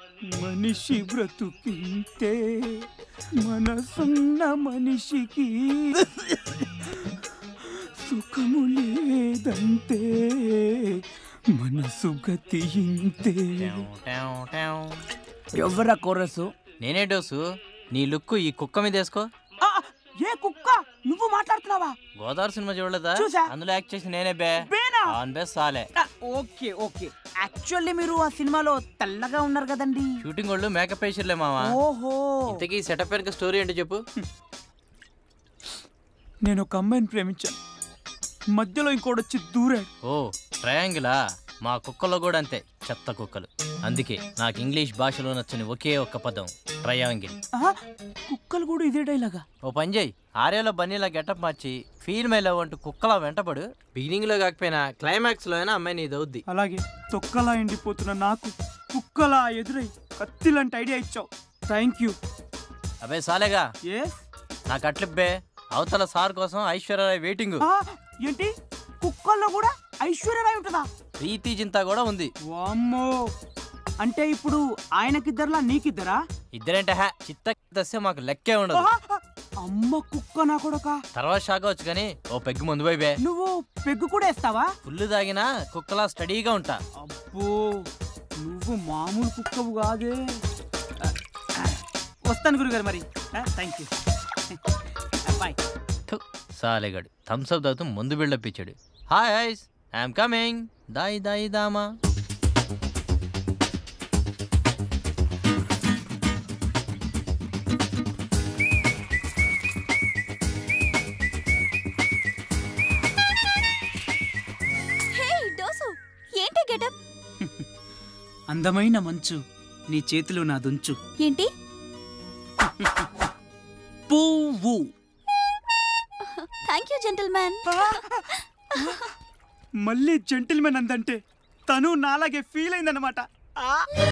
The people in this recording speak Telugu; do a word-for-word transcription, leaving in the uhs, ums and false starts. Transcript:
మనిషి బ్రతుకింతే మనసున్న మనిషికి సుఖము లేదంతే మనసు గతి ఇంతే. ఎవరా కోరసు? నేనే డోసు. నీ లుక్కు ఈ కుక్క మీద వేసుకో. ఏ కుక్క? నువ్వు మాట్లాడుతున్నావా? గోదావరి సినిమా చూడలేదా? అందులో యాక్ట్ చేసి నేనే బే ఆన్ బే సాలే. Okay okay. యాక్చువల్లీ మీరు ఆ సినిమాలో తెల్లగా ఉన్నారు కదండి. షూటింగ్ వాళ్ళు మేకప్ వేసిర్లే మావా. ఓహో. ఇంతకీ సెటప్ వెనక స్టోరీ ఏంటో చెప్పు. నేను ఒక అమ్మాయిని ప్రేమించాను, మధ్యలో ఇంకోటి వచ్చి దూరాడు. ఓ ట్రయాంగిలా? మా కుక్కలో కూడా అంతే, చెత్త కుక్కలు. అందుకే నాకు ఇంగ్లీష్ భాషలో నచ్చని ఒకే ఒక్క పదం ట్రయాంగిల్. కుక్కలు కూడా ఇదే డైలాగా? ఓ పని చేయి, ఆర్యాలో బన్నీలా గెటప్ మార్చి ఫీల్ మై లవ్ అంటూ కుక్కలా వెంటపడు. బిగినింగ్ లో కాకపోయినా క్లైమాక్స్ లో అయినా అమ్మాయి నీది అవుద్ది. అలాగే తొక్కలా ఎండిపోతున్న నాకు కుక్కలా ఎదురై కత్తిలాంటి ఐడియా ఇచ్చావు. Thank you. అబే సాలేగా, ఎస్ నాకు అట్లిబ్బే. అవతల సార్ కోసం ఐశ్వర్యరాయ్ వెయిటింగ్. ఏంటి కుక్కల్లో కూడా ఐశ్వర్యరాయ్ ఉంటుందా? ప్రీతి జింతా కూడా ఉంది. వామ్మో, అంటే ఇప్పుడు ఆయనకిద్దరులా నీకిద్దరా? ఇద్దరేంటే హా చిత్త మాకు లెక్కే ఉండదు. అమ్మ కుక్క నా కొడక. తర్వాత షాక్ వచ్చు కానీ ఓ పెగ్గు ముందు పోయి బే. నువ్వు పెగ్గు కూడా వేస్తావా? ఫుల్లు తాగినా కుక్కలా స్టడీగా ఉంటా. అబ్బో, నువ్వు మామూలు కుక్కవు కాదే. వస్తాను గురుగారు మరి. Thank you. బాయ్. సాలేగాడు థమ్స్అప్ తాగుతూ ముందు బిల్డప్ ఇచ్చాడు. Hi ice, I'm coming. దాయి దాయి దామా. అందమైన మంచు నీ చేతిలో నా దుంచు. ఏంటి? పువ్వు. Thank you gentlemen. మళ్ళీ జెంటిల్మెన్ అందంటే తను నాలాగే ఫీల్ అయిందన్నమాట.